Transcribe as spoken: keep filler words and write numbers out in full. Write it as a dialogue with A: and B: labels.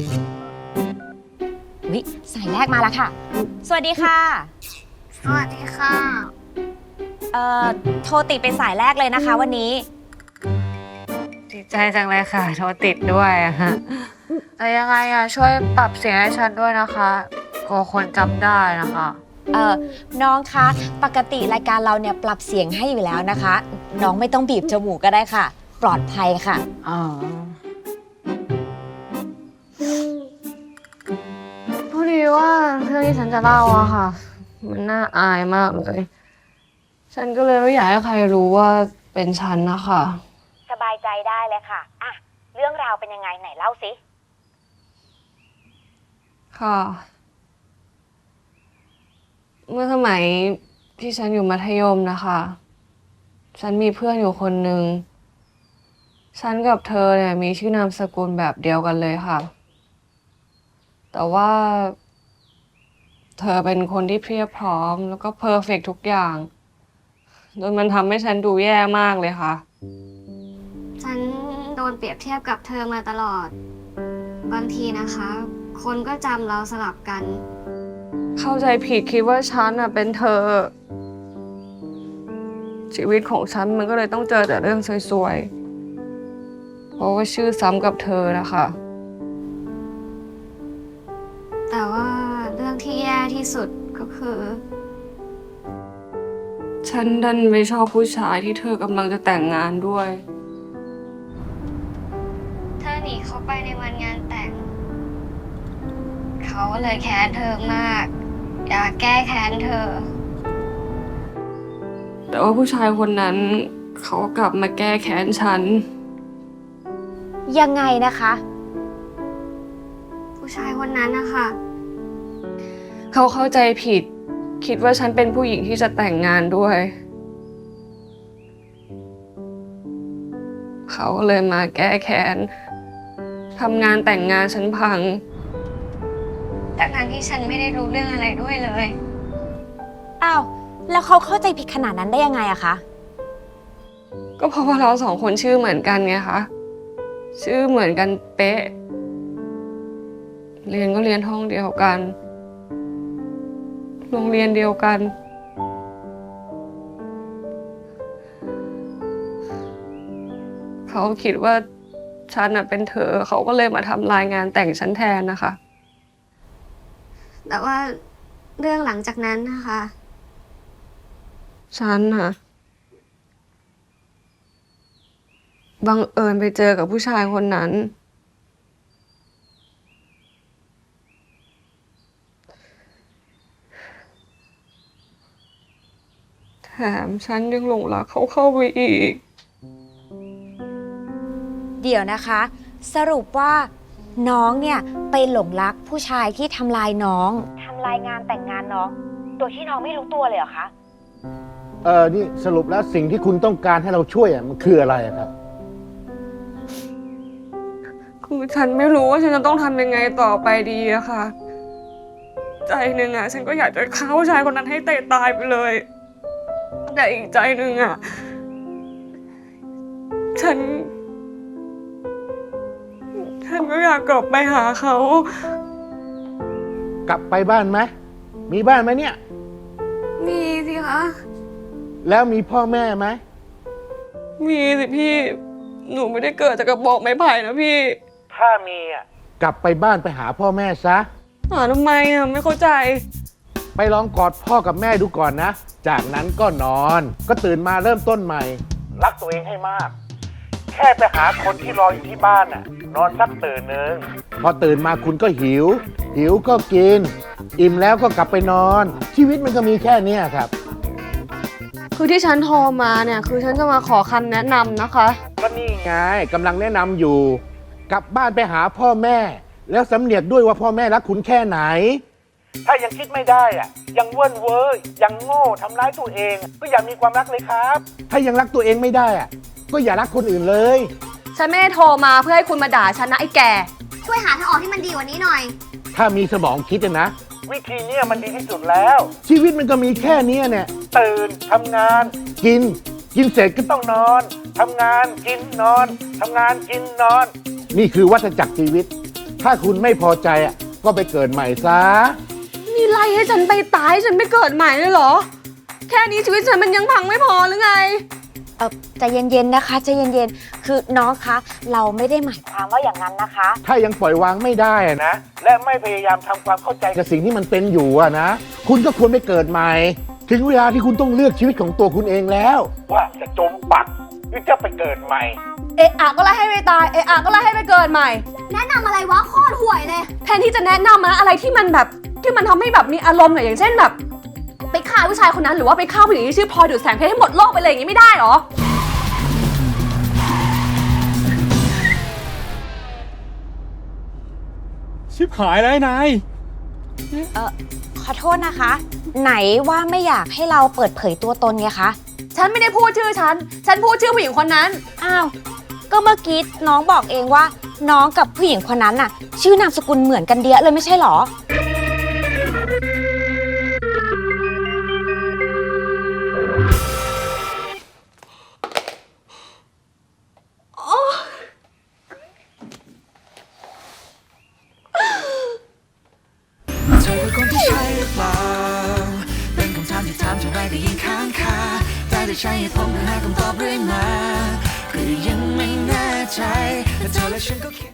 A: วิสายแรกมาแล้วค่ะสวัสดีค่ะ
B: สวัสดีค่ะ
A: เอ่อโทรติดเป็นสายแรกเลยนะคะวันนี้
C: ดีใจจังเลยค่ะโทรติดด้วยอะฮะแต่ยังไงอะช่วยปรับเสียงให้ฉันด้วยนะคะกลัวคนจำได้นะคะ
A: เอ่อน้องคะปกติรายการเราเนี่ยปรับเสียงให้อยู่แล้วนะคะน้องไม่ต้องบีบจมูกก็ได้ค่ะปลอดภัยค่ะ
C: อ๋อพอดีว่าเรื่องที่ฉันจะเล่าอะค่ะมันน่าอายมากเลยฉันก็เลยไม่อยากให้ใครรู้ว่าเป็นฉันนะคะ
A: สบายใจได้เลยค่ะอ่ะเรื่องราวเป็นยังไงไหนเล่าสิ
C: ค่ะเมื่อสมัยที่ฉันอยู่มัธยมนะคะฉันมีเพื่อนอยู่คนหนึ่งฉันกับเธอเนี่ยมีชื่อนามสกุลแบบเดียวกันเลยค่ะแต่ว่าเธอเป็นคนที่เพียบพร้อมแล้วก็เพอร์เฟกต์ทุกอย่างจนมันทำให้ฉันดูแย่มากเลยค่ะ
B: ฉันโดนเปรียบเทียบกับเธอมาตลอดบางทีนะคะ คนก็จำเราสลับกัน
C: เข้าใจผิดคิดว่าฉันน่ะเป็นเธอชีวิตของฉันมันก็เลยต้องเจอแต่เรื่องซวยๆเพราะว่าชื่อซ้ำกับเธอนะคะ
B: แต่ว่าเรื่องที่แย่ที่สุดก็คือ
C: ฉันดันไม่ชอบผู้ชายที่เธอกำลังจะแต่งงานด้วย
B: เธอหนีเขาไปในวันงานแต่งเขาเลยแค้นเธอมากอยากแก้แค้นเธอ
C: แต่ว่าผู้ชายคนนั้นเขากลับมาแก้แค้นฉัน
A: ยังไงนะคะ
B: ผู้ชายคนนั้นนะคะ
C: เขาเข้าใจผิดคิดว่าฉันเป็นผู้หญิงที่จะแต่งงานด้วยเขาก็เลยมาแก้แค้นทำงานแต่งงานฉันพัง
B: ทั้งที่ฉันไม่ได้รู้เรื่องอะไรด้วยเลย
A: อ้าวแล้วเขาเข้าใจผิดขนาดนั้นได้ยังไงอะคะ
C: ก็เพราะว่าเราสองคนชื่อเหมือนกันไงคะชื่อเหมือนกันเป๊ะเรียนก็เรียนห้องเดียวกันโรงเรียนเดียวกันเขาคิดว่าฉันน่ะเป็นเธอเขาก็เลยมาทำรายงานแต่งฉันแทนนะคะ
B: แต่ว่าเรื่องหลังจากนั้นนะคะ
C: ฉันน่ะบังเอิญไปเจอกับผู้ชายคนนั้นแถมฉันยังหลงรักเขาเข้าไปอีก
A: เดี๋ยวนะคะสรุปว่าน้องเนี่ยไปหลงรักผู้ชายที่ทำลายน้องทำลายงานแต่งงานน้องโดยที่น้องไม่รู้ตัวเลยเหรอคะ
D: เออนี่สรุปแล้วสิ่งที่คุณต้องการให้เราช่วยอ่ะมันคืออะไรครับ
C: คือฉันไม่รู้ว่าฉันจะต้องทำยังไงต่อไปดีอะค่ะใจหนึ่งอะฉันก็อยากจะฆ่าผู้ชายคนนั้นให้เตะตายไปเลยแต่อีกใจหนึ่งอะฉันฉันก็อยากกลับไปหาเขา
D: กลับไปบ้านไหมมีบ้านไหมเนี่ย
C: มีสิคะ
D: แล้วมีพ่อแม่ไหม
C: มีสิพี่หนูไม่ได้เกิดจากกระบอกไม้ไผ่นะพี่
D: ถ้ามีอ่ะกลับไปบ้านไปหาพ่อแม่ซะ
C: หาทำไมอ่ะไม่เข้าใจ
D: ไปลองกอดพ่อกับแม่ดูก่อนนะจากนั้นก็นอนก็ตื่นมาเริ่มต้นใหม่รักตัวเองให้มากแค่ไปหาคนที่รออยู่ที่บ้านน่ะนอนสักตื่นหนึ่งพอตื่นมาคุณก็หิวหิวก็กินอิ่มแล้วก็กลับไปนอนชีวิตมันก็มีแค่นี้ครับ
C: คือที่ฉันโทรมาเนี่ยคือฉันจะมาขอคำแนะนำนะคะ
D: ก็นี่ไงกำลังแนะนำอยู่กลับบ้านไปหาพ่อแม่แล้วสำเนียกด้วยว่าพ่อแม่รักคุณแค่ไหนถ้ายังคิดไม่ได้อะยังเว่นเว้ยยังโง่ทำร้ายตัวเองก็อย่ามีความรักเลยครับถ้ายังรักตัวเองไม่ได้อะก็อย่ารักคนอื่นเลย
C: ฉันไม่ได้โทรมาเพื่อให้คุณมาด่าฉันนะไอ้แก่
B: ช่วยหาทางออกที่มันดีกว่านี้หน่อย
D: ถ้ามีสมองคิดนะวิธีนี้มันดีที่สุดแล้วชีวิตมันก็มีแค่นี้เนี่ยตื่นทำงานกินกินเสร็จก็ต้องนอนทำงานกินนอนทำงานกินนอนนี่คือวัฏจักรชีวิตทถ้าคุณไม่พอใจอ่ะก็ไปเกิดใหม่ซะ
C: นี่ไล่ให้ฉันไปตายให้ฉันไปเกิดใหม่เลยเหรอ แค่นี้ชีวิตฉันมันยังพังไม่พอหรือไง
A: เออใจเย็นๆนะคะใจเย็นๆคือน้องคะเราไม่ได้หมายความว่าอย่างนั้นนะคะ
D: ถ้ายังปล่อยวางไม่ได้อะนะ และไม่พยายามทำความเข้าใจกับสิ่งที่มันเป็นอยู่อะนะ คุณก็ควรไปเกิดใหม่ ถึงเวลาที่คุณต้องเลือกชีวิตของตัวคุณเองแล้ว ว่าจะจมปักหรือจะไปเกิดใหม่
C: เอะอะก็ไล่ให้ไปตาย เอะอะก็ไล่ให้ไปเกิดใหม่
B: แนะนำอะไรวะโคตรห่วยเลย
C: แทนที่จะแนะนำนะอะไรที่มันแบบที่มันทำให้แบบมีอารมณ์หน่อยอย่างเช่นแบบ ไปฆ่าผู้ชายคนนั้นหรือว่าไปฆ่าผู้หญิงที่ชื่อพลอยดูดแสงเพชรให้หมดโลกไปเลยอย่างนี้ไม่ได้เหรอ
E: ชิบหายแล้วไอ้นาย
A: เออขอโทษนะคะ ไหนว่าไม่อยากให้เราเปิดเผยตัวตนไงคะ
C: ฉันไม่ได้พูดชื่อฉัน ฉันพูดชื่อผู้หญิงคนนั้น
A: อ้าวก็เมื่อกี้น้องบอกเองว่า น้องกับผู้หญิงคนนั้นน่ะ ชื่อนามสกุลเหมือนกันเดียเลยไม่ใช่หรอ
F: เธอคือคนที่ใช่หรือเปล่า เป็นคำถามที่ถามเท่าไรก็ยิ่งค้างคาแต่ได้ใช้เหตุผลเพื่อหาคำตอบเรื่อยมาก็ยังไม่แน่ใจแต่เธอและฉันก็คิด